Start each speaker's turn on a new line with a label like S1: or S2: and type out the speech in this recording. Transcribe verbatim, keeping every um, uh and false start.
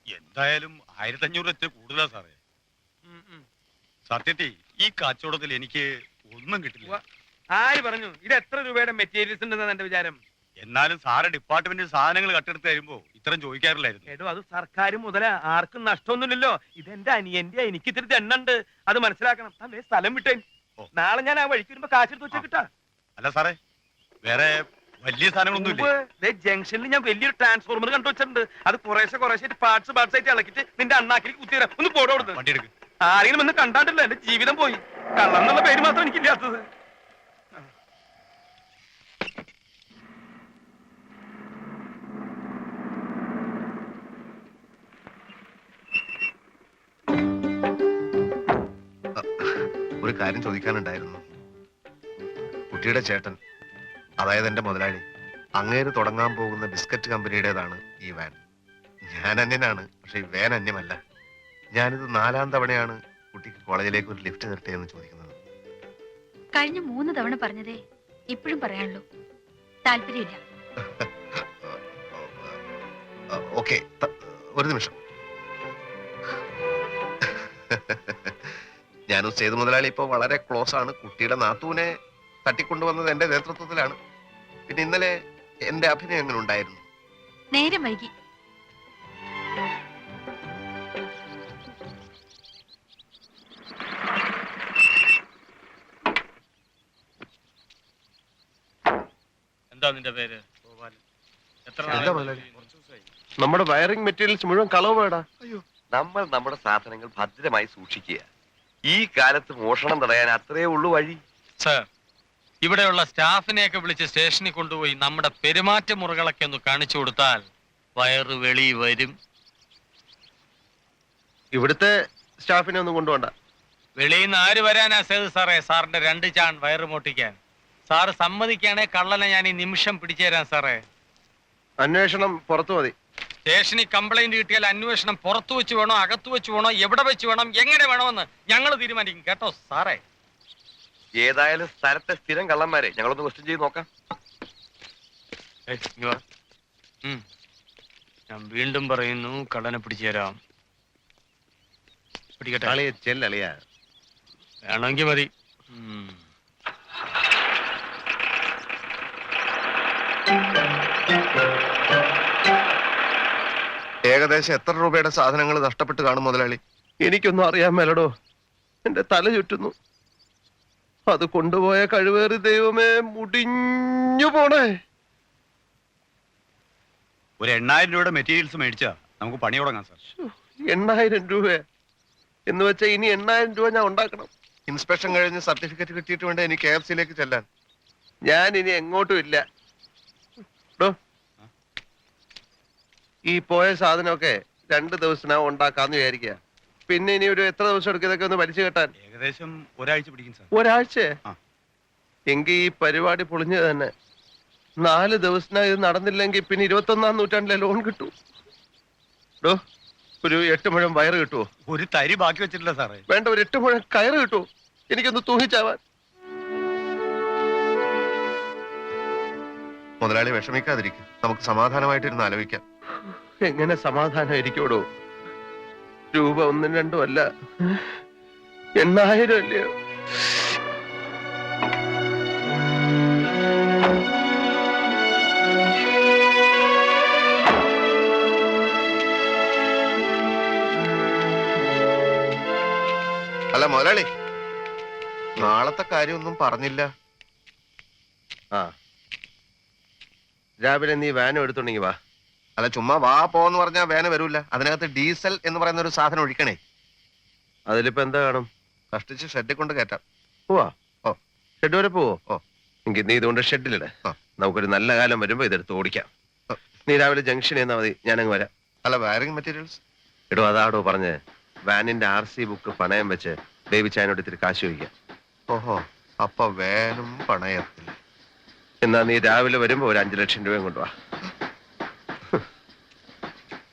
S1: എന്തായാലും ആയിരത്തി അഞ്ഞൂറ് എത്തി കൂടുതലാ സാറേ. സത്യത്തിൽ ഈ കച്ചവടത്തിൽ എനിക്ക് ഒന്നും കിട്ടില്ല.
S2: ആര് പറഞ്ഞു ഇത് എത്ര രൂപയുടെ മെറ്റീരിയൽസ് ഉണ്ടെന്നാണ് എന്റെ വിചാരം?
S1: എന്നാലും സാറ് ഡിപ്പാർട്ട്മെന്റിൽ സാധനങ്ങൾ കട്ടെടുത്ത് തരുമ്പോ ഇത്രയും ചോദിക്കാറില്ലായിരുന്നു.
S2: ഏടോ അത് സർക്കാർ മുതല ആർക്കും നഷ്ടമൊന്നുമില്ലല്ലോ. ഇതെന്റെ അനിയന്റെ എനിക്ക് ഇത്തിരി എണ്ണുണ്ട്, അത് മനസ്സിലാക്കണം. അല്ലേ സ്ഥലം വിട്ടേ, നാളെ ഞാൻ ആ വഴിക്ക് വരുമ്പോ കാശെടുത്ത് വെച്ചാ കിട്ടാ.
S1: അല്ല സാറേ, വേറെ വലിയ സാധനങ്ങളൊന്നും
S2: ജംഗ്ഷനിൽ ഞാൻ വലിയൊരു ട്രാൻസ്ഫോർമർ കണ്ടു വെച്ചിട്ടുണ്ട്. അത് കുറേശ്ശെ കുറേശ്ശെ പാർട്സ് പാർട്സ് ആയിട്ട് ഇളക്കിട്ട് നിന്റെ അണ്ണാക്കിലേക്ക് കുത്തിരാം. ഒന്ന് പോടോ കൊടുത്ത്.
S1: വണ്ടി എടുക്കും.
S2: ആരെങ്കിലും ഒന്ന് കണ്ടാണ്ടല്ലോ എന്റെ ജീവിതം പോയി. കള്ളം എന്നുള്ള പേര് മാത്രം എനിക്കില്ലാത്തത്.
S3: ഒരു കാര്യം ചോദിക്കാനുണ്ടായിരുന്നു. കുട്ടിയുടെ ചേട്ടൻ, അതായത് എന്റെ മുതലാളി, അങ്ങേര് തുടങ്ങാൻ പോകുന്ന ബിസ്ക്കറ്റ് കമ്പനിയുടേതാണ് ഈ വാൻ. ഞാൻ അന്യനാണ്, പക്ഷെ ഈ വാൻ അന്യമല്ല. ഞാനിത് നാലാം തവണയാണ് കുട്ടിക്ക് കോളേജിലേക്ക് ഒരു ലിഫ്റ്റ് നിർത്തേ എന്ന് ചോദിക്കുന്നത്.
S4: കഴിഞ്ഞ മൂന്ന് തവണ പറഞ്ഞതേ ഇപ്പോഴും പറയാനുള്ളൂ. താല്പര്യമില്ല.
S3: ഓക്കെ, ഒരു നിമിഷം. ഞാനും സേതു മുതലാളി ഇപ്പൊ വളരെ ക്ലോസ് ആണ്. കുട്ടിയുടെ നാത്തൂനെ തട്ടിക്കൊണ്ടുവന്നത് എന്റെ നേതൃത്വത്തിലാണ്. പിന്നെ ഇന്നലെ എന്റെ അഭിനയം എങ്ങനെ ഉണ്ടായിരുന്നു?
S4: നേരം വൈകി.
S5: എന്താ നിന്റെ പേര്?
S6: നമ്മുടെ വയറിംഗ് മെറ്റീരിയൽസ് മുഴുവൻ കളവ് വേടാ.
S7: നമ്മൾ നമ്മുടെ സാധനങ്ങൾ ഭദ്രമായി സൂക്ഷിക്കുക. ഈ കാലത്ത് മോഷണം തടയാൻ അത്രേ ഉള്ളൂ വഴി.
S5: സർ, ഇവിടെയുള്ള സ്റ്റാഫിനെയൊക്കെ വിളിച്ച് സ്റ്റേഷനിൽ കൊണ്ടുപോയി നമ്മുടെ പെരുമാറ്റ മുറകളൊക്കെ ഒന്ന് കാണിച്ചു കൊടുത്താൽ വയറ് വെളി വരും.
S6: ഇവിടുത്തെ സ്റ്റാഫിനെ ഒന്നും കൊണ്ടുപോണ്ട.
S5: വെളിയിൽ നിന്ന് ആര് വരാനാ സേതു സാറേ സാറിന്റെ രണ്ട് ചാൺ വയറ് മോട്ടിക്കാൻ? സാറ് സമ്മതിക്കാണെ കള്ളനെ ഞാൻ ഈ നിമിഷം പിടിച്ചു തരാം സാറേ.
S6: അന്വേഷണം പുറത്തു മതി.
S5: സ്റ്റേഷനിൽ കംപ്ലൈന്റ് കിട്ടിയാൽ അന്വേഷണം പുറത്തു വെച്ച് വേണോ അകത്തു വെച്ച് വേണോ എവിടെ വെച്ച് വേണം എങ്ങനെ വേണമെന്ന് ഞങ്ങൾ തീരുമാനിക്കും കേട്ടോ സാറേ.
S7: ഏതായാലും സ്ഥലത്തെ സ്ഥിരം കള്ളന്മാരെ ഞങ്ങളൊന്ന് ക്വസ്റ്റ്യൻ ചെയ്ത് നോക്കാം.
S5: ഞാൻ വീണ്ടും പറയുന്നു, കള്ളനെ പിടിച്ചു തരാം. പിടിക്കട്ടെ,
S6: ചെല്ലളിയാ
S5: വേണമെങ്കിൽ മതി.
S3: ഏകദേശം എത്ര രൂപയുടെ സാധനങ്ങൾ നഷ്ടപ്പെട്ട് കാണും മുതലാളി?
S6: എനിക്കൊന്നും അറിയാൻ മേലടോ, എന്റെ തല ചുറ്റുന്നു. അത് കൊണ്ടുപോയ കഴിവേറി ദൈവമേ, മുടിഞ്ഞു പോണേ.
S1: ഒരു എണ്ണായിരം രൂപയുടെ മെറ്റീരിയൽസ് മേടിച്ചാ നമുക്ക് പണി തുടങ്ങാം സാർ.
S6: എണ്ണായിരം രൂപ എന്ന് വെച്ചാ ഇനി എണ്ണായിരം രൂപ ഞാൻ ഉണ്ടാക്കണം.
S3: ഇൻസ്പെക്ഷൻ കഴിഞ്ഞ് സർട്ടിഫിക്കറ്റ് കിട്ടിയിട്ട് വേണ്ട എനിക്ക് കെ എഫ് സിയിലേക്ക് ചെല്ലാൻ.
S6: ഞാൻ ഇനി എങ്ങോട്ടും ഇല്ല. ഈ പോയ സാധനമൊക്കെ രണ്ടു ദിവസത്തിനകം ഉണ്ടാക്കാന്ന് വിചാരിക്കുക. പിന്നെ ഇനി ഒരു എത്ര ദിവസം എടുക്കും ഇതൊക്കെ ഒന്ന് വലിച്ചു കെട്ടാൻ?
S1: ഏകദേശം ഒരാഴ്ച പിടിക്കും സാർ.
S6: ഒരാഴ്ച? എങ്കിൽ ഈ പരിപാടി പൊളിഞ്ഞത് തന്നെ. നാല് ദിവസത്തിനകം ഇത് നടന്നില്ലെങ്കിൽ പിന്നെ ഇരുപത്തി ഒന്നാം നൂറ്റാണ്ടിലെ ലോൺ കിട്ടൂ. ഡോ, ഒരു എട്ട് മുഴം വയറ് കിട്ടുമോ?
S1: ഒരു തരി ബാക്കി വെച്ചിട്ടില്ല സാറേ.
S6: വേണ്ട, ഒരു എട്ട് മുഴം കയറ് കിട്ടുമോ? എനിക്കൊന്ന് തൂങ്ങിച്ചാവാൻ.
S3: മുതലാളി വിഷമിക്കാതിരിക്കും, നമുക്ക് സമാധാനമായിട്ടിരുന്ന് ആലോചിക്കാം.
S6: എങ്ങനെ സമാധാനം ഇരിക്കോടോ? രൂപ ഒന്നും രണ്ടും അല്ല, എണ്ണായിരം അല്ലയോ?
S3: അല്ല മുതലാളി, നാളത്തെ കാര്യമൊന്നും പറഞ്ഞില്ല.
S6: ആ, രാവിലെ നീ വാനും എടുത്തുണ്ടെങ്കി വാ.
S3: അല്ല, ചുമ്മാ വാ പോന്ന് പറഞ്ഞാൽ വേന വരൂല. അതിനകത്ത് ഡീസൽ എന്ന് പറയുന്ന ഒരു സാധനം ഒഴിക്കണേ.
S6: അതിലിപ്പോ എന്താ കാണും?
S3: കഷ്ടിച്ച് ഷെഡിൽ കൊണ്ട് കയറ്റാം.
S6: പോവാ?
S3: ഓ,
S6: ഷെഡ് വരെ പോവോ?
S3: ഓ,
S6: എങ്കിൽ നീ ഇതുകൊണ്ട് ഷെഡിലിടെ. നമുക്കൊരു നല്ല കാലം വരുമ്പോ ഇതെടുത്ത് ഓടിക്കാം. നീ രാവിലെ ജംഗ്ഷനിൽ നിന്നാ മതി, ഞാനങ്ങ് വരാം.
S3: അല്ല, വയറിംഗ് മെറ്റീരിയൽസ്?
S6: എടോ, അതാടോ പറഞ്ഞ് വാനിന്റെ ആർ സി ബുക്ക് പണയം വെച്ച് ബേബി ചായനോട് ഇത്തിരി കാശ് ചോദിക്കാം.
S3: ഓഹോ, അപ്പൊ വേനും പണയത്തില്ല.
S6: എന്നാ നീ രാവിലെ വരുമ്പോ ഒരു അഞ്ചു ലക്ഷം രൂപയും കൊണ്ടുപോവാ.